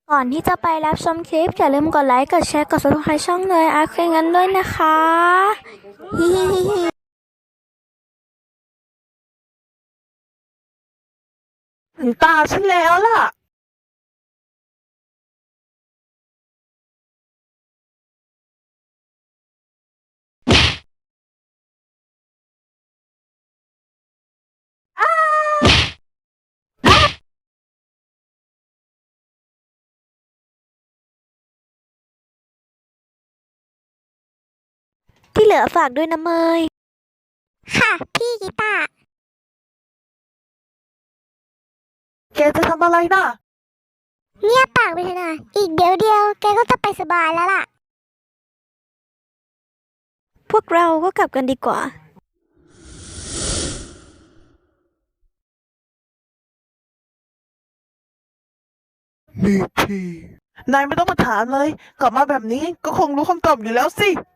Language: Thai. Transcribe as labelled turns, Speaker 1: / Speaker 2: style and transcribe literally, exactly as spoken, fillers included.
Speaker 1: ก่อนที่จะไปรับชมคลิปอย่าลืมกดไลค์ กดแชร์ กด ซับสไครบ์ ช่องเลยอาร์เคกันด้วยนะคะฮิฮิฮิฮิ
Speaker 2: ถึงตาฉันแล้วล่ะ
Speaker 1: ที่เหลือฝากด้วยนะเมย
Speaker 3: ค่ะ พี่กีตาร์
Speaker 2: แกจะทำอะไรน่ะ
Speaker 3: เงียบปากไปเถอะนะอีกเดี๋ยวเดียวแกก็จะไปสบายแล้วล่ะ
Speaker 1: พวกเราก็กลับกันดีกว่า
Speaker 2: นี่พี่นายไม่ต้องมาถามเลย กลับมาแบบนี้ก็คงรู้คำตอบอยู่แล้วสิ